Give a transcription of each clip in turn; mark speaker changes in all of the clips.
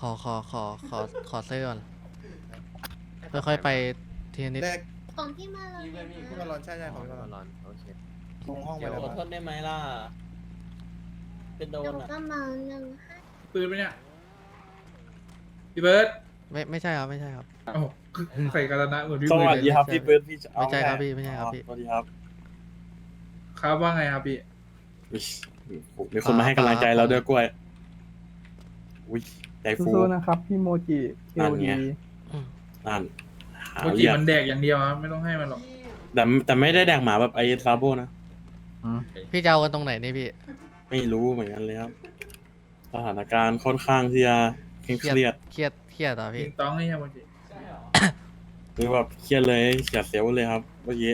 Speaker 1: ขอเสื้อก่อนค่อยๆไปทีละนิด
Speaker 2: แรก
Speaker 3: ของพี่มาเลย
Speaker 2: พี่มาร้อนใช่ของพี่มาร้อน
Speaker 4: โอเค
Speaker 2: ตรงห้องไป
Speaker 4: เดี๋ยว
Speaker 2: แล้ว
Speaker 4: ขอโทษได้ไหมล่ะ เป็นโด
Speaker 3: หนู
Speaker 4: นอ่ะ
Speaker 3: ก็มาหนึ่งห้า
Speaker 5: ปืนไหมเนี่ยพี่เบิร์ด
Speaker 1: ไม่ใช่ครับไม่ใช่ครับ
Speaker 5: โอ้โหใส่กาตนะเหมือนพี่
Speaker 6: ส
Speaker 5: เบิ
Speaker 6: วั
Speaker 5: ร์
Speaker 6: ส
Speaker 5: ด
Speaker 6: ดี
Speaker 5: เลย
Speaker 6: ครับพี่เบิร์ดพี่
Speaker 1: ไม่ใช่ครับพี่ไม่ใช่ครับพี่
Speaker 6: สวัสดีครับ
Speaker 5: ครับว่าไงครับพี่
Speaker 6: อุ๊ยมีคนมาให้กำลังใจเราด้วยกล้วยอุ้ยใจฟู
Speaker 7: สู้ๆนะครับ พี่โมจิเอ
Speaker 6: นั่น
Speaker 7: ล
Speaker 6: ไง
Speaker 7: ดี
Speaker 6: นั่นหา
Speaker 5: โมจิ
Speaker 6: เรียก
Speaker 5: มันแดกอย่างเดียวครับไม่ต้องให้มันหรอก
Speaker 6: แต่ไม่ได้แดกหมาแบบไอ้ซาโบนะ
Speaker 1: พี่จะเอากันตรงไหนนี่พี่
Speaker 6: ไม่รู้เหมือนกันเลยครับสถานการณ์ค่อนข้างที่จะเคร่งเครียด
Speaker 1: เครียดต่อ
Speaker 5: ติ
Speaker 1: พี่
Speaker 5: งต้องนี่ครับโมจิ
Speaker 6: หรือแบบเครียดเลยเสียเซลล์เลยครับเมื่อกี้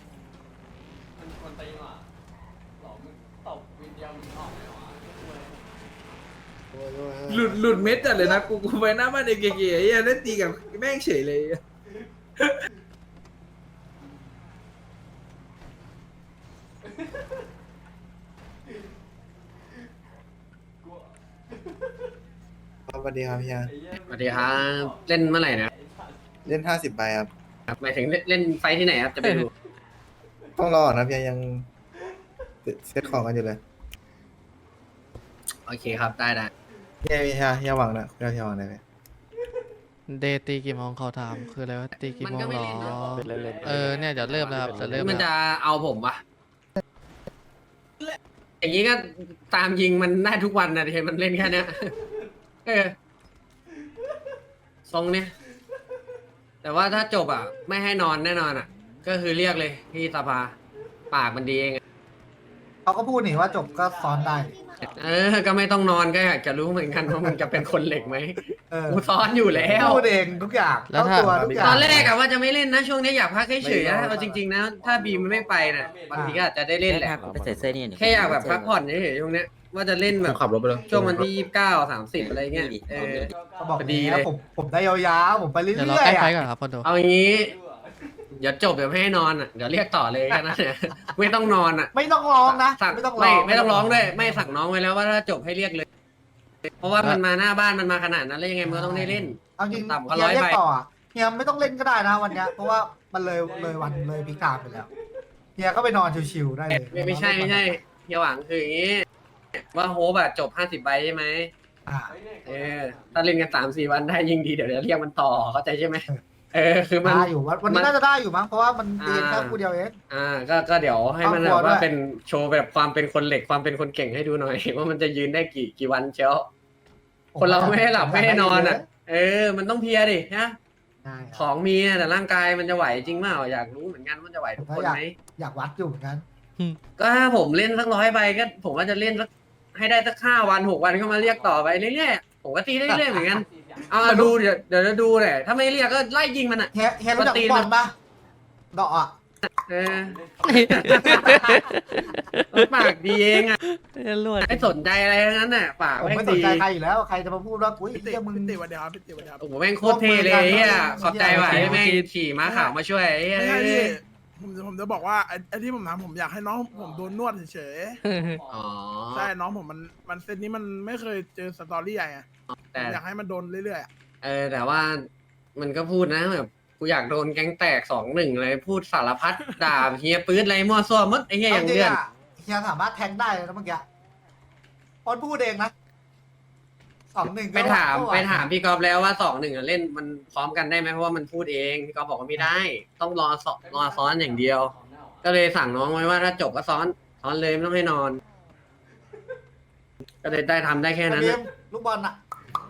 Speaker 5: หลุดเม็ดจัดเลยนะกูไปหน้าบ้านเด็กเก๋ๆไอ้เหี้ยเล่นตีกับแม่งเฉยเลย
Speaker 2: สวัสดีครับพี่ยา
Speaker 8: สวัสดีครับเล่นเมื่อไหร่นะ
Speaker 2: เล่น50ใบครับ
Speaker 8: หมายถึงเล่นไฟท์ที่ไหนครับจะไปดู
Speaker 2: ต้องรอนะพี่ยายังเซตของกันอยู่เลย
Speaker 8: โอเคครับได้ได้
Speaker 2: พี่ยาหวังนะพี่ยาหวังได้ไหม
Speaker 1: เดย์ตีกี่โมงเขาถามคืออะไรว่าตีกี่
Speaker 8: มัน
Speaker 1: โมง
Speaker 8: ก็ไม่
Speaker 1: หรอ
Speaker 8: เล่นนะ
Speaker 1: เนี่ยจะเริ่มแล้วครับจะเริ่ม
Speaker 8: มัน
Speaker 1: แล้ว
Speaker 8: จะเอาผมปะอย่างนี้ก็ตามยิงมันได้ทุกวันนะเห็นมันเล่นแค่เนี้ยเออทรงเนี้ยแต่ว่าถ้าจบอ่ะ ไม่ให้นอนแน่นอนอ่ะ ก็คือเรียกเลยที่สภาปากมันดีเองอะ
Speaker 9: เขาก็พูดนี่ว่าจบก็ซ้อนได้
Speaker 8: เออ ก็ไม่ต้องนอนก็อยากจะรู้เหมือนกันว่ามึงจะเป็นคนเหล็กไหม
Speaker 9: เออ
Speaker 8: กูซ้อนอยู่แล้ว
Speaker 9: พูดเองทุกอย่างเข้าตัวทุกอย่าง
Speaker 8: ตอนแรกอะว่าจะไม่เล่นนะช่วงนี้อยากพักเฉยๆนะเอาจริงๆนะถ้าบีมมันไม่ไปน่ะบางทีก็อาจจะได้เล่นแหละ
Speaker 4: ไปใส่เสื้อนี่
Speaker 8: แค่อยากแบบพักผ่อนเฉยๆช่วงเนี้ยว่าจะเล่นแบบ
Speaker 5: ขับรถไปเลย
Speaker 8: ช่วงวันที่29-30อะไรเงี้ยเออ
Speaker 9: เขาบอก
Speaker 8: พอดี
Speaker 9: ดี
Speaker 8: เลย
Speaker 9: ผมได้ยาวๆผมไปเรื่
Speaker 1: เดี๋ยวเรา
Speaker 9: อย
Speaker 1: ใกล้
Speaker 9: ๆ
Speaker 1: ไฟ
Speaker 9: อะ
Speaker 1: ก่อนครับพ่อโด
Speaker 8: เอางี้เดี๋ยวจบเดี๋ยวไม่ให้นอนอ่ะเดี๋ยวเรียกต่อเลยแค่นั้นเนี่ยไม่ต้องนอนอ่ะ
Speaker 9: ไม่ต้องร้องนะ
Speaker 8: สั่ง
Speaker 9: ไม่ต้องร้
Speaker 8: ไม่
Speaker 9: อง
Speaker 8: ไม่ต้องร้องด้วยไม่สั่งน้องไว้แล้วว่าถ้าจบให้เรียกเลย เพราะว่ามันมาหน้าบ้านมันมาขนาดนั้นแล้วยังไงมันก็ต้องได้เล่น
Speaker 9: เอาจริง
Speaker 8: ต่ำกว่า
Speaker 9: เฮียเรีย
Speaker 8: 100
Speaker 9: ก
Speaker 8: ใบ
Speaker 9: ต่ออะเฮียไม่ต้องเล่นก็ได้นะวันเนี้ยเพราะว่ามันเลยวันเลยพิการไปแล้วเฮียก็ไปนอนชิวๆได้เลย
Speaker 8: ไม่ใช่อย่าหวังคืออย่างงี้ว่าโฮปอะจบ50 ใบใช่ไหม
Speaker 9: อ่า
Speaker 8: เออถ้าเล่นกัน3-4 วันได้ยิ่งดีเดี๋ยวเรียกมันต่อเข้าใจใช่ไหมเออคือมัน
Speaker 9: ได้อยู่วันนี้น่าจะได้อยู่มั้งเพราะว่ามันเรียนแค่
Speaker 8: อ่า
Speaker 9: คู่เดียวเอง
Speaker 8: ก็เดี๋ยวให้มัน
Speaker 9: ครอบครัว
Speaker 8: แบบว่า
Speaker 9: ด้วย
Speaker 8: เป็นโชว์แบบความเป็นคนเหล็กความเป็นคนเก่งให้ดูหน่อย ว่ามันจะยืนได้กี่วันเชียวคนเราไม่ให้หลับไม่ให้นอนอ่ะ เออ มันต้องเพลียดินะ
Speaker 9: ได้
Speaker 8: ของมีอะแต่ร่างกายมันจะไหวจริงเปล่าอยากรู้เหมือนกันว่าจะไหวทุกคนไหม
Speaker 9: อยากวัดอยู่เหมือนกัน
Speaker 8: ก็ถ้าผมเล่นสัก100 ใบก็ผมว่าจะเล่นสักให้ได้สัก5 วัน6 วันก็มาเรียกต่อไปเรื่อยๆผมก็ตีเรื่อยๆเหมือนกันเอาดูเดี๋ยวจะดูเลยถ้าไม่เรียกก็ไล่ยิงมันอ่ะ
Speaker 9: เฮียรู้จัก
Speaker 8: ปกติ
Speaker 9: บอลปะดอกอ่ะ
Speaker 8: เออ ปากดีเองอ่ะ
Speaker 1: ลวด
Speaker 8: ไม่สนใจอะไรทั้งนั้นน่ะปาก
Speaker 9: ผม
Speaker 8: แม่ง
Speaker 9: ไม่สน
Speaker 8: ดี
Speaker 9: ใจใครอยู่แล้วใครจะมาพูดว่าอุ้ย
Speaker 2: พี่
Speaker 9: เฮียมึง
Speaker 2: ติวันเดียวครับพี่ติวันเดียว
Speaker 8: โอ้โหแม่งโคตรเท่เลยเฮียขอบใจว่ะที่แม่งขี่ม้าขาวมาช่วยไอ้เหี้ย
Speaker 2: ไม่ใช่พี่ผมจะบอกว่าไอ้ที่ผมทำผมอยากให้น้องผมโดนนวดเฉย
Speaker 8: อ๋อ
Speaker 2: ๆใช่น้องผมมันเซตนี้มันไม่เคยเจอสตอรี่ใหญ่อะ
Speaker 8: แต่
Speaker 2: อยากให้มันโดนเรื่อยๆอะ
Speaker 8: แต่ว่ามันก็พูดนะแบบกูอยากโดนแก๊งแตก2-1เลยพูดสารพัดด่าเฮียปื๊ดอะไรมั่วซั่วหมดไอ้เฮียอย่าง
Speaker 9: จริ
Speaker 8: เดือน
Speaker 9: อะเฮียสามารถแทงได้เลยนะเมื่อกี้พอนพูดเองนะ2-1
Speaker 8: ไปถามพี่กอฟแล้วว่า2-1อะเล่นมันพร้อมกันได้ไหมเพราะว่ามันพูดเองพี่กอฟบอกว่าไม่ได้ ต้องรอซ้อนอย่างเดียว ก็เลยสั่งน้องไว้ว่าถ้าจบก็ซ้อนเลยไม่ต้องให้นอน ก็เลยได้ทำได้แค่นั้น
Speaker 9: เบีย
Speaker 8: น่ะ
Speaker 9: มลูกบอลน่ะ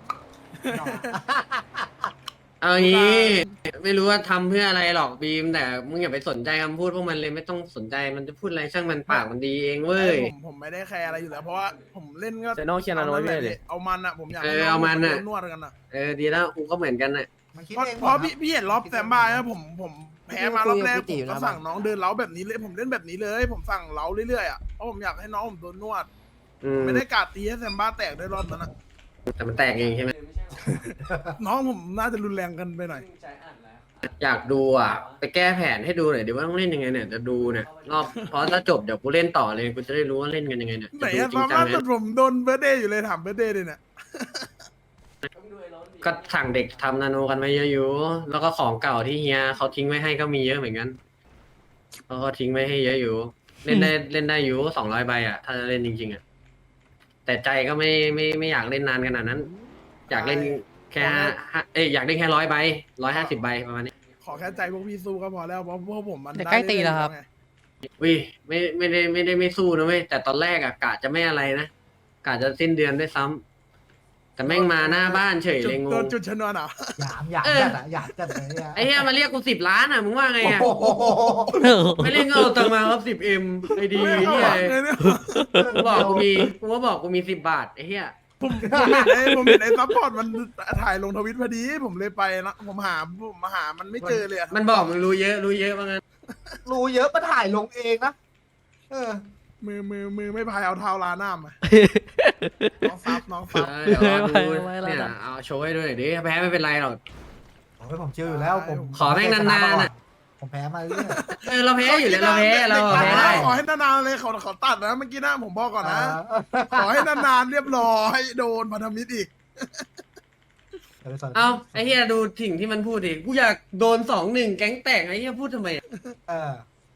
Speaker 8: เอางี้ไม่รู้ว่าทำเพื่ออะไรหรอกบีม แต่มึงอย่าไปสนใจคำพูดพวกมันเลยไม่ต้องสนใจมันจะพูดอะไรช่างมันปากมันดีเองเว้ย
Speaker 2: ผมไม่ได้แคร์อะไรอยู่แล้วเพราะว่าผมเล่นก็
Speaker 4: เซโน่เชียร์นาโนไว้ด้วยดิ
Speaker 2: เอามันอะผมอยาก
Speaker 8: เออเอามันอะ
Speaker 2: โดนวดกันอะ
Speaker 8: ดีแล้วกูก็เหมือนกันน่ะ
Speaker 9: มันคิด
Speaker 2: เพราะ
Speaker 9: เองหม
Speaker 2: เพราะ
Speaker 9: ดนะ
Speaker 2: พี่เห็นรอบแซมบ้านะผมแพ้มารอบแรก
Speaker 4: พี่
Speaker 2: ผ
Speaker 4: ติ๋
Speaker 2: ม
Speaker 4: ว
Speaker 2: ก็
Speaker 4: นะ
Speaker 2: สั่งน้องเดินเล้าแบบนี้เลยผมเล่นแบบนี้เลย ผมสั่งเล้าเรื่อยๆอะเพราะผมอยากให้น้องผมโดนนวด
Speaker 8: อืม
Speaker 2: ไม่ได้กาดตีให้แซมบ้าแตกด้วยรอบนั้นอะ
Speaker 8: แต่มันแตกเองใช่ไหม
Speaker 2: น้องผมน่าจะรุนแรงกันไปหน่อย
Speaker 8: อยากดูอ่ะไปแก้แผนให้ดูหน่อยดิว่าต้องเล่นยังไงเนี่ยจะดูเนี่ยรอบเพราะถ้าจบเดี๋ยวกูเล่นต่อเลยกูจะได้รู้ว่าเล่นกันยังไงเนี่ย
Speaker 2: ไหน
Speaker 8: จะดู
Speaker 2: อะ
Speaker 8: จริ
Speaker 2: ตอง น
Speaker 8: จัง
Speaker 2: ล่า
Speaker 8: ไหม
Speaker 2: สุดผมโดนเบอร์เดย์อยู่เลยถามเบอร์เดย์เลยเนี่ย
Speaker 8: ก็สั่งเด็กทำนาโนกันไว้เยอะอยู่แล้วก็ของเก่าที่เฮียเขาทิ้งไว้ให้ก็มีเยอะเหมือนกันเขาก็ทิ้งไว้ให้เยอะอยู่ เล่นได้อยู่200 ใบอ่ะถ้าจะเล่นจริงๆอ่ะแต่ใจก็ไม่อยากเล่นนานขนาดนั้น อยากเล่นแค่อยากเล่นแค่100 ใบ150 ใบประมาณนี้
Speaker 2: ขอแค่ใจพวกพี่สู้ก็พอแล้วเพราะพวกผมมัน
Speaker 1: เดี๋ยวใกล้ตีแล้วครับ
Speaker 2: ไง
Speaker 8: วิไม่ได้ไม่สู้นะเว้ยแต่ตอนแรกอะกะจะไม่อะไรนะกะจะสิ้นเดือนด้วยซ้ำแต่แม่งมาหน้าบ้านเฉย
Speaker 2: จุด
Speaker 8: เลยง
Speaker 2: โด
Speaker 8: ง
Speaker 2: นจุดชนวนเหรอ
Speaker 9: หยามหยาม
Speaker 8: เออ
Speaker 9: จัดอะหยามจัดเลยอะ
Speaker 8: ไอ้เหี้ยมาเรียกกู10 ล้านอะมึงว่าไงอะ
Speaker 9: โอ้โห
Speaker 8: ไม่เล่นก็เอาตังค์มาครับ10M ไอ้ดี
Speaker 2: ไม่เข้า
Speaker 8: เหี้
Speaker 2: ห
Speaker 8: ย
Speaker 2: วังเลยเนี่ย
Speaker 8: กูบอกกูมี10 บาทไอ้เหี้ย
Speaker 2: ผมเห็นไอ้ซัพพอร์ตมันถ่ายลงทวิตพอดีผมเลยไปนะผมหามันไม่เจอเลยอะ
Speaker 8: มันบอกมึงรู้เยอะว่างั้น
Speaker 9: รู้เยอะมาถ่ายลงเองนะเออ
Speaker 2: มือไม่พายเอาเท้าลาหน้ามาน้องซับ
Speaker 8: เดี๋ยวรอดู
Speaker 1: ไว้แล้ว
Speaker 8: เนี่ย
Speaker 1: นะ
Speaker 8: เอาโชว์ให้ด้วยหน่อยดิแพ้ไม่เป็นไรหรอก
Speaker 9: โอ้ยผมเชื่ออยู่แล้วผม
Speaker 8: ขอแม่งนานๆอะ
Speaker 9: ผมแพ้มาเรื่อย
Speaker 8: เราแพ้อยู่แล้วเราแพ้ได้
Speaker 2: ขอให้นานๆเลยเขาตัดนะเมื่อกี้นะผมบอกก่อนนะ
Speaker 9: เ
Speaker 2: ขอให้นานๆเรียบร้อยโดนพันธมิตรอีก
Speaker 8: เอาไอ้เหี้ยดูสิ่งที่มันพูดดิกูอยากโดน2-1แก๊งแตกไอ้เหี้ยพูดทำไมอะ
Speaker 9: เออ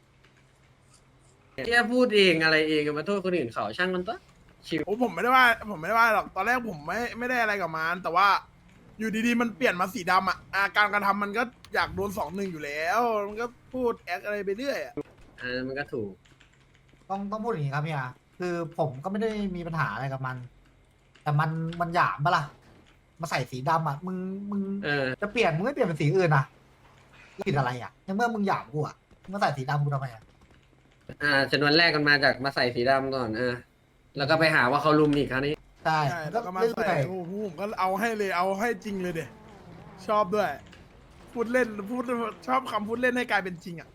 Speaker 8: เหี้ยพูดเองอะไรเองมาโทษคนอื่นเขาช่างมันปะชิว
Speaker 2: โอ้ผมไม่ได้ว่าหรอกตอนแรกผมไม่ได้อะไรกับมันแต่ว่า อยู่ดีๆมันเปลี่ยนมาสีดำอ่ะการกระทำมันก็อยากโดน2-1อยู่แล้ว มันก็พูดแอคอะไรไปเรื่อยอะ
Speaker 8: มันก็ถูก
Speaker 9: ต้องพูดอย่างนี้ครับเนี่ยคือผมก็ไม่ได้มีปัญหาอะไรกับมัน แต่มันหยามปะล่ะมาใส่สีดำอ่ะมึง
Speaker 8: เออ
Speaker 9: จะเปลี่ยนมึงไม่เปลี่ยนเป็นสีอื่นอ่ะผิดอะไรอ่ะในเมื่อมึงหยามกูอ่ะมึงมาใส่สีดำกูทำไมอ่ะ
Speaker 8: จำนวนแรกกันมาจากมาใส่สีดำก่อนแล้วก็ไปหาว่าเขาลุมอีกคราวนี้
Speaker 9: ใช่
Speaker 2: ใช่
Speaker 9: ก็
Speaker 2: แล้วก็มา
Speaker 9: เรื่
Speaker 2: ใส่
Speaker 9: อย
Speaker 2: โอ้โหผมก็เอาให้เลยเอาให้จริงเลยเด็ชอบด้วย พูดชอบคำพูดเล่นให้กลายเป็นจริงอ่ะ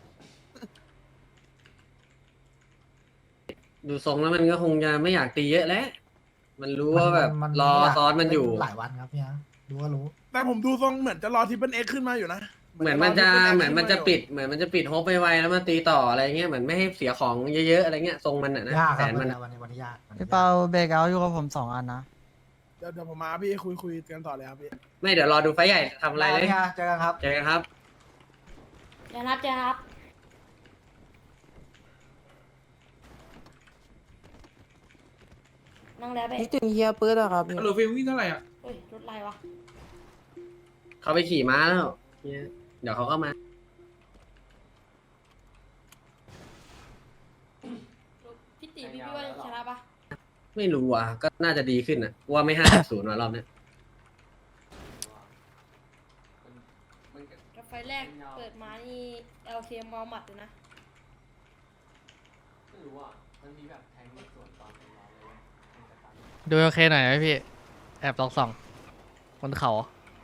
Speaker 8: ดูทรงแล้วมันก็คงจะไม่อยากตีเยอะแล้วมันรู้
Speaker 9: ๆ
Speaker 8: ว่าแบบ
Speaker 9: มัน
Speaker 8: รอซ้อนมันอยู่
Speaker 9: หลายวันครับเนี่ยรู้ก็รู้
Speaker 2: แต่ผมดูทรงเหมือนจะรอทิปเปิลเอ็กขึ้นมาอยู่นะ
Speaker 8: เหมือนมันจะปิดโฮปไปไวแล้วมาตีต่ออะไรเงี้ยเหมือนไม่ให้เสียของเยอะๆอะไรเงี้ยทรงมันอะนะ
Speaker 9: ยาก
Speaker 8: แผ
Speaker 9: ครับ
Speaker 8: นมัน
Speaker 9: วันนี้ยากวันนี้
Speaker 7: พี่
Speaker 9: ยาก
Speaker 7: เปาเบรกเอาท์อยู่กับผม2 อันนะ
Speaker 2: เดี๋ยวผมมาพี่คุยกันต่อเลยครับพี่
Speaker 8: ไม่เดี๋ยวรอดูไฟล์ใหญ่ทำอะไรเลย
Speaker 9: เนี่ยเจอกันครับ
Speaker 8: เจอกันครับ
Speaker 3: เดี๋ยวนับจะครับนั่งแล้วไป
Speaker 7: นี่ถึงเฮียปื๊ดอะครับพี่
Speaker 5: ฮัลโหลฟิลวิ่งเท่าไหร่อ่ะ
Speaker 3: เฮ้ยรถอะไรวะ
Speaker 8: เขาไปขี่ม้าแล้วเนี่ยเดี๋ยวเขาก็มา
Speaker 3: พี่ตีพี่ว่าชนะปะ
Speaker 8: ไม่รู้อ่ะก็น่าจะดีขึ้นอ่ะว่าไม่5-0ว่ะรอบเนี้ย
Speaker 3: กับไฟแรกเปิดมานี่ LK เมาหมัดเลยนะ
Speaker 1: ดูโอเคหน่อยไหมพี่ แอบส่องบนเขา